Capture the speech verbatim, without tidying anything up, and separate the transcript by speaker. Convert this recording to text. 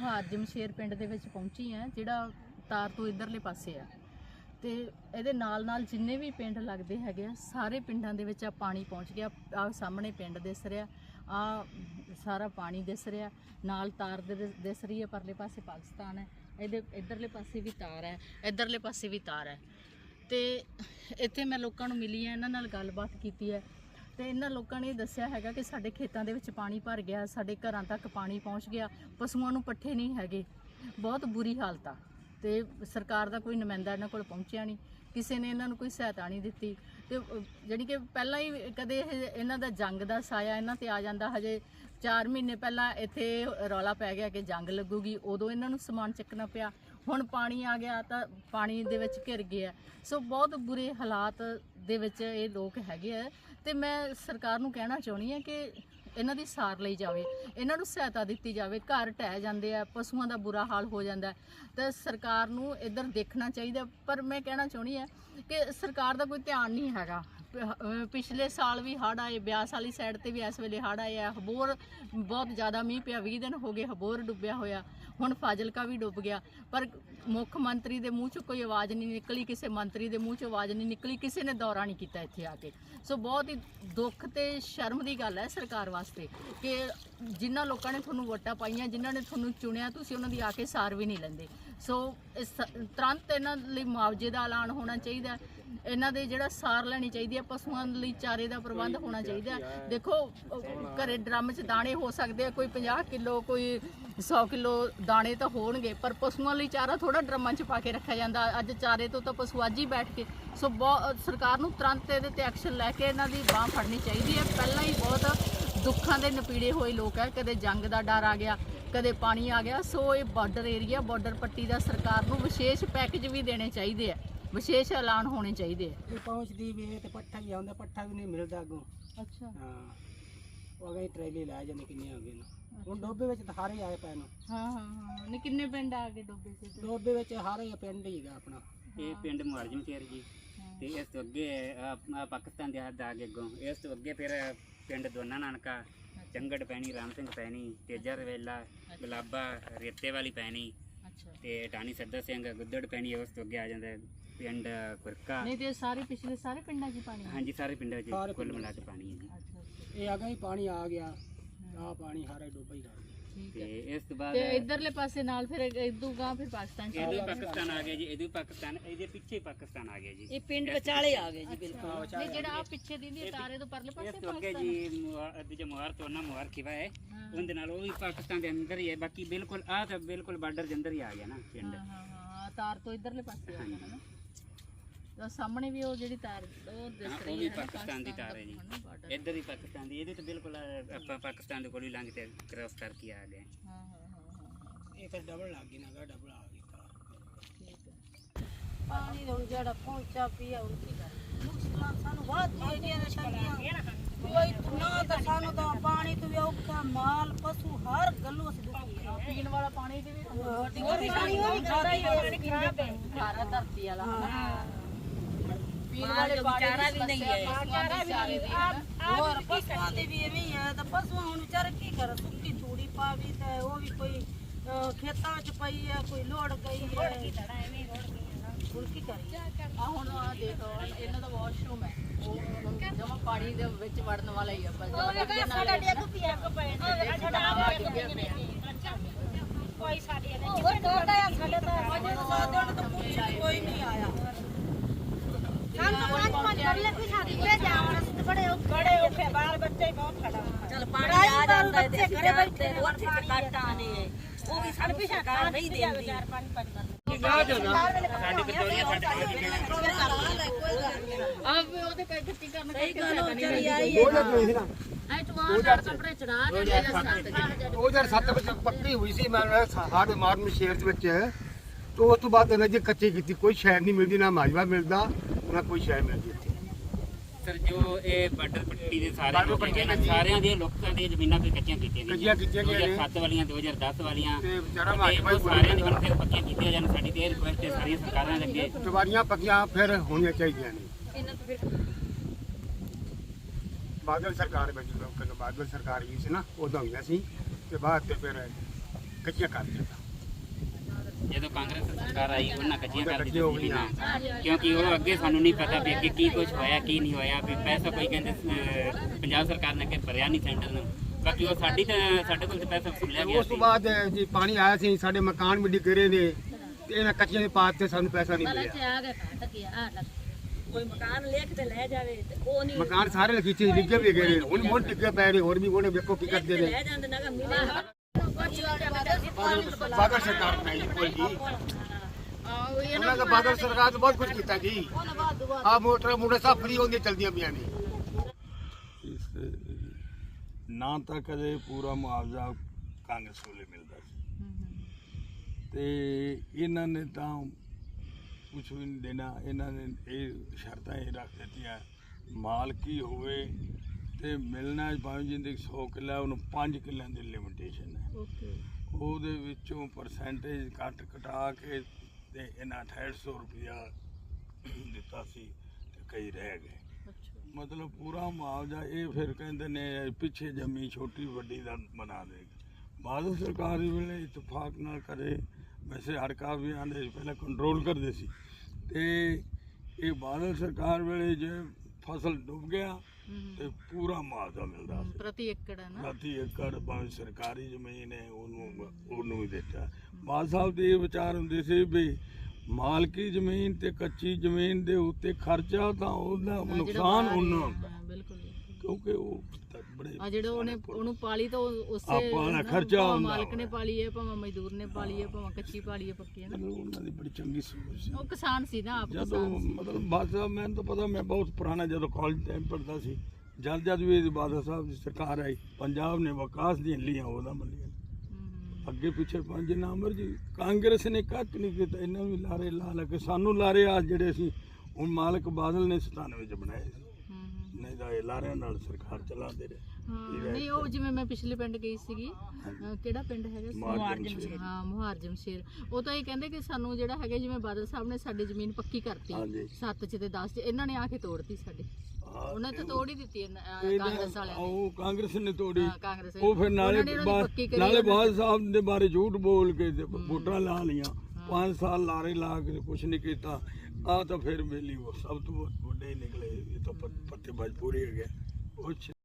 Speaker 1: ਮੁਹਾਰ ਜਮਸ਼ੇਰ ਪਿੰਡ ਦੇ ਵਿੱਚ ਪਹੁੰਚੀ ਹਾਂ, ਜਿਹੜਾ ਤਾਰ ਤੋਂ ਇਧਰਲੇ ਪਾਸੇ ਆ, ਤੇ ਇਹਦੇ ਨਾਲ ਨਾਲ ਜਿੰਨੇ ਵੀ ਪਿੰਡ ਲੱਗਦੇ ਹੈਗੇ ਆ, ਸਾਰੇ ਪਿੰਡਾਂ ਦੇ ਵਿੱਚ ਆ ਪਾਣੀ ਪਹੁੰਚ ਗਿਆ। ਆ ਸਾਹਮਣੇ ਪਿੰਡ ਦਿਸ ਰਿਹਾ, ਆ ਸਾਰਾ ਪਾਣੀ ਦਿਸ ਰਿਹਾ, ਨਾਲ ਤਾਰ ਦੇ ਦਿਸ ਰਹੀ ਹੈ, ਪਰਲੇ ਪਾਸੇ ਪਾਕਿਸਤਾਨ ਹੈ, ਇਹਦੇ ਇਧਰਲੇ ਪਾਸੇ ਵੀ ਤਾਰ ਹੈ, ਇਧਰਲੇ ਪਾਸੇ ਵੀ ਤਾਰ ਹੈ। ਤੇ ਇੱਥੇ ਮੈਂ ਲੋਕਾਂ ਨੂੰ ਮਿਲੀ ਹੈ, ਇਹਨਾਂ ਨਾਲ ਗੱਲਬਾਤ ਕੀਤੀ ਹੈ, ਤੇ ਇਹਨਾਂ ਲੋਕਾਂ ਨੇ ਦੱਸਿਆ ਹੈਗਾ ਕਿ ਸਾਡੇ ਖੇਤਾਂ ਦੇ ਵਿੱਚ ਪਾਣੀ ਭਰ ਗਿਆ, ਸਾਡੇ ਘਰਾਂ ਤੱਕ ਪਾਣੀ ਪਹੁੰਚ ਗਿਆ, ਪਸ਼ੂਆਂ ਨੂੰ ਪੱਠੇ ਨਹੀਂ ਹੈਗੇ, ਬਹੁਤ ਬੁਰੀ ਹਾਲਤ ਆ। ਤੇ ਸਰਕਾਰ ਦਾ ਕੋਈ ਨੁਮਾਇੰਦਾ ਇਹਨਾਂ ਕੋਲ ਪਹੁੰਚਿਆ ਨਹੀਂ, ਕਿਸੇ ਨੇ ਇਹਨਾਂ ਨੂੰ ਕੋਈ ਸਹਾਇਤਾ ਨਹੀਂ ਦਿੱਤੀ। ਤੇ ਜਿਹੜੀ ਕਿ ਪਹਿਲਾਂ ਹੀ ਕਦੇ ਇਹਨਾਂ ਦਾ ਜੰਗ ਦਾ ਸਾਇਆ ਇਹਨਾਂ ਤੇ ਆ ਜਾਂਦਾ, ਹਜੇ ਚਾਰ ਮਹੀਨੇ ਪਹਿਲਾਂ ਇੱਥੇ ਰੌਲਾ ਪੈ ਗਿਆ ਕਿ ਜੰਗ ਲੱਗੂਗੀ, ਉਦੋਂ ਇਹਨਾਂ ਨੂੰ ਸਮਾਨ ਚੱਕਣਾ ਪਿਆ। ਹੁਣ ਪਾਣੀ ਆ ਗਿਆ ਤਾਂ ਪਾਣੀ ਦੇ ਵਿੱਚ ਘਿਰ ਗਿਆ। ਸੋ ਬਹੁਤ ਬੁਰੇ ਹਾਲਾਤ ਦੇ ਵਿੱਚ ਇਹ ਲੋਕ ਹੈਗੇ ਆ, ਤੇ ਮੈਂ ਸਰਕਾਰ ਨੂੰ ਕਹਿਣਾ ਚਾਹੁੰਦੀ ਹਾਂ ਕਿ ਇਹਨਾਂ ਦੀ ਸਾਰ ਲਈ ਜਾਵੇ, ਇਹਨਾਂ ਨੂੰ ਸਹਾਇਤਾ ਦਿੱਤੀ ਜਾਵੇ। ਘਰ ਢਹਿ ਜਾਂਦੇ ਆ, ਪਸ਼ੂਆਂ ਦਾ ਬੁਰਾ ਹਾਲ ਹੋ ਜਾਂਦਾ, ਤੇ ਸਰਕਾਰ ਨੂੰ ਇੱਧਰ ਦੇਖਣਾ ਚਾਹੀਦਾ। ਪਰ ਮੈਂ ਕਹਿਣਾ ਚਾਹੁੰਦੀ ਹਾਂ ਕਿ ਸਰਕਾਰ ਦਾ ਕੋਈ ਧਿਆਨ ਨਹੀਂ ਹੈਗਾ। ਪਿਛਲੇ ਸਾਲ ਵੀ ਹੜ੍ਹ ਆਏ, ਬਿਆਸ ਵਾਲੀ ਸਾਈਡ ਤੇ ਵੀ ਇਸ ਵੇਲੇ ਹੜ੍ਹ ਆਏ ਆ, ਹਬੋਰ ਬਹੁਤ ਜ਼ਿਆਦਾ ਮੀਂਹ ਪਿਆ, ਵੀਹ ਦਿਨ ਹੋ ਗਏ ਹਬੋਰ ਡੁੱਬਿਆ ਹੋਇਆ, ਹੁਣ ਫਾਜ਼ਿਲਕਾ ਵੀ ਡੁੱਬ ਗਿਆ। ਪਰ ਮੁੱਖ ਮੰਤਰੀ ਦੇ ਮੂੰਹ 'ਚੋਂ ਕੋਈ ਆਵਾਜ਼ ਨਹੀਂ ਨਿਕਲੀ, ਕਿਸੇ ਮੰਤਰੀ ਦੇ ਮੂੰਹ 'ਚੋਂ ਆਵਾਜ਼ ਨਹੀਂ ਨਿਕਲੀ, ਕਿਸੇ ਨੇ ਦੌਰਾ ਨਹੀਂ ਕੀਤਾ ਇੱਥੇ ਆ ਕੇ। ਸੋ ਬਹੁਤ ਹੀ ਦੁੱਖ ਤੇ ਸ਼ਰਮ ਦੀ ਗੱਲ ਹੈ ਸਰਕਾਰ ਵਾਸਤੇ ਕਿ ਜਿਨ੍ਹਾਂ ਲੋਕਾਂ ਨੇ ਤੁਹਾਨੂੰ ਵੋਟਾਂ ਪਾਈਆਂ, ਜਿਨ੍ਹਾਂ ਨੇ ਤੁਹਾਨੂੰ ਚੁਣਿਆ, ਤੁਸੀਂ ਉਹਨਾਂ ਦੀ ਆ ਕੇ ਸਾਰ ਵੀ ਨਹੀਂ ਲੈਂਦੇ। ਸੋ ਇਸ ਤੁਰੰਤ ਇਹਨਾਂ ਲਈ ਮੁਆਵਜ਼ੇ ਦਾ ਐਲਾਨ ਹੋਣਾ ਚਾਹੀਦਾ, ਇਹਨਾਂ ਦੇ ਜਿਹੜਾ ਸਾਰ ਲੈਣੀ ਚਾਹੀਦੀ ਹੈ, ਪਸ਼ੂਆਂ ਲਈ ਚਾਰੇ ਦਾ ਪ੍ਰਬੰਧ ਹੋਣਾ ਚਾਹੀਦਾ। ਦੇਖੋ ਘਰੇ ਡਰਮ 'ਚ ਦਾਣੇ ਹੋ ਸਕਦੇ ਆ, ਕੋਈ ਪੰਜਾਹ ਕਿਲੋ ਕੋਈ ਸੌ ਕਿਲੋ ਦਾਣੇ ਤਾਂ ਹੋਣਗੇ, ਪਰ ਪਸ਼ੂਆਂ ਲਈ ਚਾਰਾ ਥੋੜਾ ਡਰਮਾਂ 'ਚ ਪਾ ਕੇ ਰੱਖਿਆ ਜਾਂਦਾ। ਅੱਜ ਚਾਰੇ ਤੋਂ ਤਾਂ ਪਸ਼ੂ ਅੱਜ ਹੀ ਬੈਠ ਕੇ। ਸੋ ਬਹੁਤ ਸਰਕਾਰ ਨੂੰ ਤੁਰੰਤ ਇਹਦੇ ਤੇ ਐਕਸ਼ਨ ਲੈ ਕੇ ਇਹਨਾਂ ਦੀ ਬਾਂਹ ਫੜਨੀ ਚਾਹੀਦੀ ਹੈ। ਪਹਿਲਾਂ ਹੀ ਬਹੁਤ ਦੁੱਖਾਂ ਦੇ ਨਪੀੜੇ ਹੋਏ ਲੋਕ ਹੈ, ਕਦੇ ਜੰਗ ਦਾ ਡਰ ਆ ਗਿਆ, ਕਦੇ ਪਾਣੀ ਆ ਗਿਆ। ਸੋ ਇਹ ਬਾਰਡਰ ਏਰੀਆ, ਬਾਰਡਰ ਪੱਟੀ ਦਾ ਸਰਕਾਰ ਨੂੰ ਵਿਸ਼ੇਸ਼ ਪੈਕੇਜ ਵੀ ਦੇਣੇ ਚਾਹੀਦੇ ਆ, ਵਿਸ਼ੇਸ਼ ਐਲਾਨ ਹੋਣੇ ਚਾਹੀਦੇ ਆ।
Speaker 2: ਪਹੁੰਚਦੀ ਵੀ ਤੇ ਪੱਠਾ ਵੀ ਆਉਂਦਾ, ਪੱਠਾ ਵੀ ਨਹੀਂ ਮਿਲਦਾ ਅੱਗੋਂ।
Speaker 1: ਅੱਛਾ,
Speaker 2: ਹਾਂ, ਉਹ ਅਗੇ ਟਰੇਲੇ ਲੈ ਜਾਂਦੇ, ਕਿੰਨੇ ਹੋ ਗਏ ਨੇ ਹੁਣ ਡੋਬੇ ਵਿੱਚ ਤਾਂ ਸਾਰੇ ਆਏ ਪਏ ਨੇ।
Speaker 1: ਹਾਂ ਹਾਂ ਹਾਂ, ਨੇ ਕਿੰਨੇ ਪਿੰਡ ਆ ਗਏ ਡੋਬੇ ਸੇ?
Speaker 2: ਡੋਬੇ ਵਿੱਚ ਹਾਰੇ ਪਿੰਡ ਹੀ ਹੈਗਾ ਆਪਣਾ।
Speaker 3: ਇਹ ਪਿੰਡ ਮੁਹਾਰ ਜਮਸ਼ੇਰ ਜੀ, ਤੇ ਇਸ ਤੋਂ ਅੱਗੇ ਆ ਪਾਕਿਸਤਾਨ ਦੇ ਹੱਦ ਆ ਕੇ ਅੱਗੋਂ, ਇਸ ਤੋਂ ਅੱਗੇ ਫਿਰ ਪਿੰਡ ਦੋਨਾ ਨਾਨਕਾ, ਚੰਗੜ ਪੈਣੀ, ਰਾਮ ਸਿੰਘ ਪੈਣੀ, ਤੇਜਾ ਰਵੇਲਾ, ਗੁਲਾਬਾ, ਰੇਤੇ ਵਾਲੀ ਪੈਣੀ, ਤੇ ਟਾਣੀ ਸੱਦਾ ਸਿੰਘ, ਗੁੱਦੜ ਪੈਣੀ। ਉਸ ਤੋਂ ਅੱਗੇ ਆ ਜਾਂਦਾ ਪਿੰਡ ਕੁਰਕਾ।
Speaker 1: ਨਹੀਂ ਤੇ ਸਾਰੇ ਪਿਛਲੇ ਸਾਰੇ ਪਿੰਡਾਂ 'ਚ ਪਾਣੀ?
Speaker 3: ਹਾਂਜੀ, ਸਾਰੇ ਪਿੰਡਾਂ 'ਚ ਕੁੱਲ ਮਿਲਾ ਕੇ ਪਾਣੀ ਹੈ ਜੀ।
Speaker 2: ਇਹ ਅਗਾ ਹੀ ਪਾਣੀ ਆ ਗਿਆ, ਆ ਪਾਣੀ ਹਾਰੇ ਡੁੱਬਾ ਹੀ ਰਿਹਾ।
Speaker 3: ਤੇ ਇਸ ਤੋਂ ਬਾਅਦ
Speaker 1: ਤੇ ਇਧਰਲੇ ਪਾਸੇ ਨਾਲ ਫਿਰ ਇਦੋਂ ਗਾਂ ਫਿਰ ਪਾਕਿਸਤਾਨ ਚ
Speaker 3: ਇਹਦੇ ਪਾਕਿਸਤਾਨ ਆ ਗਿਆ ਜੀ, ਇਹਦੇ ਪਾਕਿਸਤਾਨ, ਇਹਦੇ ਪਿੱਛੇ ਪਾਕਿਸਤਾਨ ਆ ਗਿਆ ਜੀ।
Speaker 4: ਇਹ ਪਿੰਡ ਵਿਚਾਲੇ ਆ ਗਏ ਜੀ ਬਿਲਕੁਲ।
Speaker 1: ਨਹੀਂ ਜਿਹੜਾ ਆ ਪਿੱਛੇ ਦੀ ਤਾਰੇ ਤੋਂ ਪਰਲੇ ਪਾਸੇ
Speaker 3: ਇਸ ਤੋਂ ਅੱਗੇ ਜੀ ਦੂਜਾ ਮੁਹਾਰ ਤੋਂ ਨਾ ਮੁਹਾਰ ਖਿਵਾ ਹੈ, ਉਹਦੇ ਨਾਲ ਉਹ ਵੀ ਪਾਕਿਸਤਾਨ ਦੇ ਅੰਦਰ ਹੀ ਹੈ। ਬਾਕੀ ਬਿਲਕੁਲ ਆ ਤਾਂ ਬਿਲਕੁਲ ਬਾਰਡਰ ਦੇ ਅੰਦਰ ਹੀ ਆ ਗਿਆ ਨਾ ਪਿੰਡ।
Speaker 1: ਹਾਂ ਹਾਂ ਹਾਂ, ਤਾਰ ਤੋਂ ਇਧਰਲੇ ਪਾਸੇ ਆ ਗਿਆ ਨਾ। ਤਾਂ ਸਾਹਮਣੇ ਵੀ ਉਹ ਜਿਹੜੀ ਤਾਰ ਉਹ ਦਿਸ ਰਹੀ ਹੈ,
Speaker 3: ਉਹ ਵੀ ਪਾਕਿਸਤਾਨ ਦੀ ਤਾਰ ਹੈ ਜੀ। ਇੱਧਰ ਹੀ ਪਾਕਿਸਤਾਨ ਦੀ, ਇਹਦੇ ਤੋਂ ਬਿਲਕੁਲ ਆਪਾਂ ਪਾਕਿਸਤਾਨ ਦੇ ਕੋਲ ਹੀ ਲੰਘ ਕੇ ਕ੍ਰਾਸ ਕਰਕੇ ਆ ਗਏ।
Speaker 1: ਹਾਂ ਹਾਂ ਹਾਂ,
Speaker 2: ਇਹ ਤਾਂ ਡਬਲ ਲੱਗ ਗਈ ਨਾ, ਡਬਲ ਆ ਗਈ
Speaker 1: ਠੀਕ ਹੈ।
Speaker 4: ਪਾਣੀ ਹੁਣ ਜਿਹੜਾ ਪਹੁੰਚਾ ਪਿਆ ਉਹ ਕੀ ਕਰ ਮੁਸ਼ਕਲਾਂ ਸਾਨੂੰ ਬਹੁਤ ਜਿਹੜੀਆਂ ਨੇ ਸ਼ਾਦੀਆਂ ਕੋਈ ਨਾ ਤਾਂ ਸਾਨੂੰ ਤਾਂ ਪਾਣੀ ਤੋਂ ਵੀ ਔਖਾ, ਮਾਲ ਪਸ਼ੂ ਹਰ ਗੱਲੋਂ ਅਸੀਂ ਦੁਖੀ ਆ।
Speaker 1: ਪੀਣ ਵਾਲਾ ਪਾਣੀ ਦੀ ਵੀ
Speaker 4: ਪਾਣੀ ਉਹ ਵੀ ਖਾਰਾ ਹੀ ਪਾਣੀ ਖਰਾਬ ਹੈ,
Speaker 1: ਖਾਰਾ ਧਰਤੀ ਵਾਲਾ।
Speaker 4: ਹਾਂ
Speaker 1: ਪੀਣ ਵਾਲੇ
Speaker 4: ਚਾਰਾ ਵੀ ਨਹੀਂ ਹੈ,
Speaker 1: ਚਾਰਾ ਵੀ ਨਹੀਂ।
Speaker 4: ਹੋਰ ਪਸ਼ੂਆਂ ਦੇ ਵੀ ਐਵੇਂ ਹੀ ਹੈ। ਤਾਂ ਪਸ਼ੂ ਹੁਣ ਵਿਚਾਰੇ ਕੀ ਕਰ, ਸੁੱਕੀ ਤੂੜੀ ਪਾਵੀ ਤੇ ਉਹ ਵੀ ਕੋਈ ਖੇਤਾਂ 'ਚ ਪਈ ਹੈ, ਕੋਈ ਲੋੜ ਗਈ ਹੈ, ਹੁਣ ਕੀ ਕਰੀਏ।
Speaker 1: ਆ ਹੁਣ ਆ ਦੇਖੋ, ਇਹਨਾਂ ਦਾ ਵਾਸ਼ਰੂਮ ਹੈ, ਉਹ ਜਮਾ ਪਾਣੀ ਦੇ ਵਿੱਚ ਵੜਨ ਵਾਲਾ ਹੀ ਆ। ਪਰ
Speaker 4: ਸਾਡਾ ਡੇਕ ਪਿਆ ਕੋ ਪਏ ਕੋਈ ਸਾਡੇ ਨੇ ਹੋਰ ਕੋਟਾ ਆ, ਸਾਡੇ ਤਾਂ ਸਾਡੇ ਤਾਂ ਕੋਈ ਨਹੀਂ ਆਇਆ। ਸਾਨੂੰ ਪੰਜ ਪੰਜ ਕਰ ਲੈ ਵੀ ਸਾਡੇ ਕੋਲੇ ਜਾਵਣ, ਅਸੀਂ ਤਾਂ ਬੜੇ ਬੜੇ ਔਖੇ, ਬਾਲ ਬੱਚੇ ਬਹੁਤ ਖੜਾ। ਚਲ ਪਾਣੀ ਆ ਜਾਂਦਾ ਤੇ ਘਰੇ ਬੈਠੇ ਉੱਥੇ ਕੱਟਾਂ ਨੇ, ਉਹ ਵੀ ਸਾਡੇ ਪਿੱਛੇ ਕਾਰ ਨਹੀਂ ਦੇਂਦੀ। ਚਾਰ ਪੰਜ ਪੰਜ ਕਰ
Speaker 3: ਸਾਡੀ ਕਟੋਰੀਆਂ ਸਾਡੇ ਕੋਲ
Speaker 1: ਆ ਉਹਦੇ ਕਈ ਖੱਤੀ ਕਰਨ
Speaker 4: ਸਹੀ ਗੱਲ ਹੋ ਚਲੀ ਆਈ ਹੈ।
Speaker 1: ਐ ਚਵਾਰ ਦਾ ਕੱਪੜੇ ਚੜਾ ਦੇ ਦੋ
Speaker 5: ਹਜ਼ਾਰ ਸੱਤ ਵਿੱਚ ਪੱਕੀ ਹੋਈ ਸੀ। ਮੈਂ ਸਾਡੇ ਮਾਰਨ ਸ਼ੇਰ ਦੇ ਵਿੱਚ ਤੋਂ ਉਸ ਤੋਂ ਬਾਅਦ ਇਹਨਾਂ ਜੇ ਕੱਚੀ ਕੀਤੀ, ਕੋਈ ਸ਼ੈ ਨਹੀਂ ਮਿਲਦੀ, ਨਾ ਮਾਜਵਾ ਮਿਲਦਾ, ਨਾ ਕੋਈ ਸ਼ੈ ਮਿਲਦੀ ਇੱਥੇ।
Speaker 3: ਸਰ ਜੋ ਇਹ ਬਾਰਡਰ ਪੱਟੀ ਦੇ ਸਾਰੇ ਲੋਕ ਹੈਗੇ ਨਾ, ਸਾਰਿਆਂ ਦੀਆਂ ਲੋਕਾਂ ਦੀਆਂ ਜ਼ਮੀਨਾਂ ਕੋਈ ਕੱਚੀਆਂ ਕੀਤੀਆਂ
Speaker 5: ਕੱਚੀਆਂ ਕੀਤੀਆਂ
Speaker 3: ਦੋ
Speaker 5: ਗਈਆਂ
Speaker 3: ਹਜ਼ਾਰ ਸੱਤ ਵਾਲੀਆਂ, ਦੋ ਹਜ਼ਾਰ ਦਸ ਵਾਲੀਆਂ,
Speaker 5: ਤੇ ਵਿਚਾਰਾ
Speaker 3: ਤੇ
Speaker 5: ਮਾਜਵਾ
Speaker 3: ਉਹ ਸਾਰਿਆਂ ਦੀ ਹੁਣ ਫਿਰ ਪੱਕੀਆਂ ਕੀਤੀਆਂ ਜਾਣ। ਸਾਡੀ ਤੇ ਇਹ ਰਿਕੁਐਸਟ ਹੈ ਸਾਰੀਆਂ ਸਰਕਾਰਾਂ ਦੇ ਅੱਗੇ,
Speaker 5: ਚਵਾਰੀਆਂ ਪੱਕੀਆਂ ਫਿਰ ਹੋਣੀਆਂ ਚਾਹੀਦੀਆਂ ਨੇ। ਬਾਦਲ ਸਰਕਾਰ ਵਿੱਚ ਲੋਕਾਂ ਨੂੰ ਬਾਦਲ ਸਰਕਾਰ ਹੀ ਸੀ ਨਾ, ਉਦੋਂ ਹੋਈਆਂ ਸੀ, ਤੇ ਬਾਅਦ ਤੇ ਫਿਰ ਕੱਚੀਆਂ ਕਰ ਦਿੱਤਾ।
Speaker 3: ਜਦੋਂ ਕਾਂਗਰਸ ਸਰਕਾਰ ਆਈ ਉਹਨਾਂ ਕੱਚੀਆਂ ਕਰ
Speaker 5: ਕੱਚੀਆਂ ਹੋ
Speaker 3: ਦਿੱਤੀਆਂ
Speaker 5: ਗਈਆਂ।
Speaker 3: ਸੀ, ਕਿਉਂਕਿ ਉਹ ਅੱਗੇ ਸਾਨੂੰ ਨਹੀਂ ਪਤਾ ਵੀ ਅੱਗੇ ਕੀ ਕੁਝ ਹੋਇਆ ਕੀ ਨਹੀਂ ਹੋਇਆ, ਵੀ ਪੈਸਾ ਕੋਈ ਕਹਿੰਦੇ ਅਹ, ਪੰਜਾਬ ਸਰਕਾਰ ਨੇ ਕਿ ਭਰਿਆ ਨਹੀਂ ਸੈਂਟਰ ਨੂੰ, ਬਾਕੀ ਉਹ ਸਾਡੀ ਤਾਂ ਸਾਡੇ ਕੋਲ ਤਾਂ ਪੈਸਾ ਵਸੂਲਿਆ ਗਿਆ
Speaker 5: ਉਸ ਤੋਂ
Speaker 3: ਸੀ।
Speaker 5: ਬਾਅਦ ਜੀ ਪਾਣੀ ਆਇਆ ਸੀ, ਸਾਡੇ ਮਕਾਨ ਵੀ ਡਿੱਗੇ ਨੇ ਤੇ ਇਹਨਾਂ ਕੱਚੀਆਂ ਦੇ ਪਾਤ ਤੇ ਸਾਨੂੰ ਪੈਸਾ ਨਹੀਂ ਮਿਲਿਆ।
Speaker 4: ਕੋਈ ਮਕਾਨ ਲਿਖ ਤੇ ਲੈ ਜਾਵੇ ਤੇ ਉਹ ਨਹੀਂ
Speaker 5: ਮਕਾਨ ਸਾਰੇ ਲਖੀਚੇ ਡਿੱਗੇ ਵੀ ਗਏ ਨੇ, ਹੁਣ ਮੁੜ ਡਿੱਗੇ ਪਏ ਨੇ, ਹੋਰ ਵੀ ਉਹਨੇ ਵੇਖੋ ਕੀ ਕਰਦੇ ਨੇ।
Speaker 4: ਲੈ ਜਾਂਦੇ ਨਾ ਮਿਲੇ
Speaker 5: ਬਾਦਲ ਸਰਕਾਰ ਬਣਾਈ ਕੋਈ ਜੀ, ਉਹਨਾਂ ਦਾ ਬਾਦਲ ਸਰਕਾਰ ਨੇ ਬਹੁਤ ਕੁਝ ਕੀਤਾ ਜੀ। ਆ ਮੋਟਰ ਮੋਟਰ ਸਭ ਫਰੀ ਹੁੰਦੀਆਂ ਚਲਦੀਆਂ ਪਈਆਂ ਨੇ।
Speaker 6: ਇਸ ਨਾ ਤਾਂ ਕਦੇ ਪੂਰਾ ਮੁਆਵਜ਼ਾ ਕਾਂਗਰਸ ਵੇਲੇ ਮਿਲਦਾ ਸੀ ਤੇ ਇਹਨਾਂ ਨੇ ਤਾਂ ਕੁਝ ਵੀ ਨਹੀਂ ਦੇਣਾ। ਇਹਨਾਂ ਨੇ ਇਹ ਸ਼ਰਤਾਂ ਇਹ ਰੱਖ ਦਿੱਤੀਆਂ, ਮਾਲਕੀ ਹੋਵੇ ਤੇ ਮਿਲਣਾ ਭਾਵੇਂ ਜਿੰਦੇ ਸੌ ਕਿੱਲਾ ਉਹਨੂੰ ਪੰਜ ਕਿੱਲਿਆਂ ਦੀ ਲਿਮਿਟੇਸ਼ਨ ਹੈ। ਉਹਦੇ ਵਿੱਚੋਂ ਪਰਸੈਂਟੇਜ ਕੱਟ ਕਟਾ ਕੇ ਤੇ ਇਹਨਾਂ ਅਠਾਹਠ ਸੌ ਰੁਪਇਆ ਦਿੱਤਾ ਸੀ ਤੇ ਕਈ ਰਹਿ ਗਏ। ਮਤਲਬ ਪੂਰਾ ਮੁਆਵਜ਼ਾ ਇਹ ਫਿਰ ਕਹਿੰਦੇ ਨੇ ਪਿੱਛੇ ਜੰਮੀ ਛੋਟੀ ਵੱਡੀ ਦਾ ਬਣਾ ਦੇਗਾ। ਬਾਦਲ ਸਰਕਾਰ ਦੇ ਵੇਲੇ ਇਤਫਾਕ ਨਾਲ ਕਰੇ, ਵੈਸੇ ਹੜਕਾ ਵੀ ਆਂਦੇ ਪਹਿਲਾਂ ਕੰਟਰੋਲ ਕਰਦੇ ਸੀ ਤੇ ਇਹ ਬਾਦਲ ਸਰਕਾਰ ਵੇਲੇ ਜੇ ਫਸਲ ਡੁੱਬ ਗਿਆ ਤੇ ਪੂਰਾ ਮੁਆਵਜ਼ਾ ਮਿਲਦਾ ਸੀ
Speaker 1: ਪ੍ਰਤੀ ਏਕੜ ਹੈ ਨਾ,
Speaker 6: ਪ੍ਰਤੀ ਏਕੜ, ਭਾਵੇਂ ਸਰਕਾਰੀ ਜ਼ਮੀਨ ਹੈ ਉਹਨੂੰ ਉਹਨੂੰ ਵੀ ਦਿੱਤਾ। ਬਾਦ ਸਾਹਿਬ ਦੇ ਇਹ ਵਿਚਾਰ ਹੁੰਦੇ ਸੀ ਵੀ ਮਾਲਕੀ ਜ਼ਮੀਨ ਤੇ ਕੱਚੀ ਜ਼ਮੀਨ ਦੇ ਉੱਤੇ ਖਰਚਾ ਤਾਂ ਉਹਦਾ ਨੁਕਸਾਨ ਉਹਨਾਂ ਹੁੰਦਾ,
Speaker 1: ਹਾਂ, ਬਿਲਕੁਲ
Speaker 6: ਕਿਉਂਕਿ ਉਹ ਤਾਂ ਬੜੇ
Speaker 1: ਆ ਜਿਹੜਾ ਉਹਨੇ ਉਹਨੂੰ ਪਾਲੀ ਤਾਂ ਉਹ ਉਸੇ
Speaker 6: ਆਪਾਂ ਦਾ
Speaker 1: ਨਾ,
Speaker 6: ਖਰਚਾ
Speaker 1: ਭਾਵੇਂ
Speaker 6: ਹੁੰਦਾ
Speaker 1: ਮਾਲਕ ਨੇ ਪਾਲੀ ਹੈ, ਭਾਵੇਂ ਮਜ਼ਦੂਰ ਨੇ ਪਾਲੀ ਹੈ, ਭਾਵੇਂ ਕੱਚੀ ਪਾਲੀ ਹੈ, ਪੱਕੀ ਹੈ ਨਾ।
Speaker 6: ਮਤਲਬ ਉਹਨਾਂ ਦੀ ਬੜੀ ਚੰਗੀ ਸੋਚ ਸੀ।
Speaker 1: ਉਹ ਕਿਸਾਨ ਸੀ ਨਾ, ਆਪ
Speaker 6: ਜਦੋਂ
Speaker 1: ਕਿਸਾਨ ਸੀ।
Speaker 6: ਮਤਲਬ ਬਾਦਲ ਸਾਹਿਬ, ਮੈਨੂੰ ਤਾਂ ਪਤਾ ਮੈਂ ਬਹੁਤ ਪੁਰਾਣਾ ਜਦੋਂ ਕਾਲਜ ਟਾਈਮ ਪੜ੍ਹਦਾ ਸੀ, ਜਦ ਜਦ ਵੀ ਬਾਦਲ ਸਾਹਿਬ ਦੀ ਸਰਕਾਰ ਆਈ ਪੰਜਾਬ ਨੇ ਵਿਕਾਸ ਦੀਆਂ ਲੀਆਂ ਉਹਦਾ ਮੱਲੀਆਂ
Speaker 1: ਹਮ,
Speaker 6: ਅੱਗੇ ਪਿੱਛੇ ਪੰਜ ਨਾ ਮਰਜੀ। ਕਾਂਗਰਸ ਨੇ ਕੱਖ ਨਹੀਂ ਕੀਤਾ, ਇਹਨਾਂ ਵੀ ਲਾਰੇ ਲਾ ਲਾ ਕੇ ਸਾਨੂੰ ਲਾਰੇ ਆ ਜਿਹੜੇ ਸੀ ਹੁਣ ਮਾਲਕ ਬਾਦਲ ਨੇ ਸਤਾਨਵੇਂ ਚ ਬਣਾਏ ਸੀ,
Speaker 1: ਹਮ, ਹਮ।
Speaker 6: ਨਹੀਂ ਤਾਂ ਇਹ ਲਾਰਿਆਂ ਨਾਲ ਸਰਕਾਰ ਚਲਾਉਂਦੇ ਰਹੇ।
Speaker 1: ਹਾਂ, ਨਹੀਂ ਉਹ ਜਿਵੇਂ ਮੈਂ ਪਿਛਲੇ ਪਿੰਡ ਗਈ ਸੀਗੀ, ਅਹ ਕਿਹੜਾ ਪਿੰਡ ਹੈਗਾ ਸੀ?
Speaker 6: ਮੁਹਾਰਜਮ ਸ਼ੇਰ।
Speaker 1: ਹਾਂ, ਮੁਹਾਰਜਮ ਸ਼ੇਰ। ਉਹ ਤਾਂ ਇਹ ਕਹਿੰਦੇ ਕਿ ਸਾਨੂੰ ਜਿਹੜਾ ਹੈਗਾ ਜਿਵੇਂ ਬਾਦਲ ਸਾਹਿਬ ਨੇ ਸਾਡੀ ਜ਼ਮੀਨ ਪੱਕੀ ਕਰਤੀ
Speaker 6: ਹਾਂਜੀ।
Speaker 1: ਸੱਤ ਚ ਤੇ ਦਸ ਚ, ਇਹਨਾਂ ਨੇ ਆ ਕੇ ਤੋੜਤੀ ਸਾਡੀ।
Speaker 6: ਹਾਂ,
Speaker 1: ਉਹਨਾਂ ਤੇ ਤੋੜ ਹੀ ਦਿੱਤੀ ਇਹਨਾਂ- ਅਹ
Speaker 6: ਇਹਦਾ-
Speaker 1: ਕਾਂਗਰਸ ਵਾਲਿਆਂ ਨੇ।
Speaker 6: ਉਹ ਕਾਂਗਰਸ ਨੇ ਤੋੜੀ।
Speaker 1: ਹਾਂ, ਕਾਂਗਰਸ
Speaker 6: ਉਹ ਫਿਰ ਨਾਲੇ
Speaker 1: ਉਹਨਾਂ ਨੇ ਉਹਨਾਂ ਦੀ
Speaker 6: ਬਾ-
Speaker 1: ਪੱਕੀ ਕਰੀ,
Speaker 6: ਨਾਲੇ
Speaker 1: ਉਹਨਾਂ
Speaker 6: ਬਾਦਲ ਸਾਹਿਬ ਦੇ ਬਾਰੇ ਝੂਠ ਬੋਲ ਕੇ ਤੇ ਵੋਟਾਂ ਲਾ ਲੀਆਂ। ਪੰਜ ਸਾਲ ਲਾਰੇ ਲਾ ਕੇ ਕੁਝ ਨਹੀਂ ਕੀਤਾ। ਆ ਤਾਂ ਫਿਰ ਵੇਲੀ ਉਹ ਸਭ ਤੋਂ ਵੱਡੇ ਨਿਕਲੇ, ਇਹ ਤਾਂ ਪ- ਪੱਤੇ ਬਾਜ ਪੂਰੇ ਹੋ ਗਏ। ਉਹ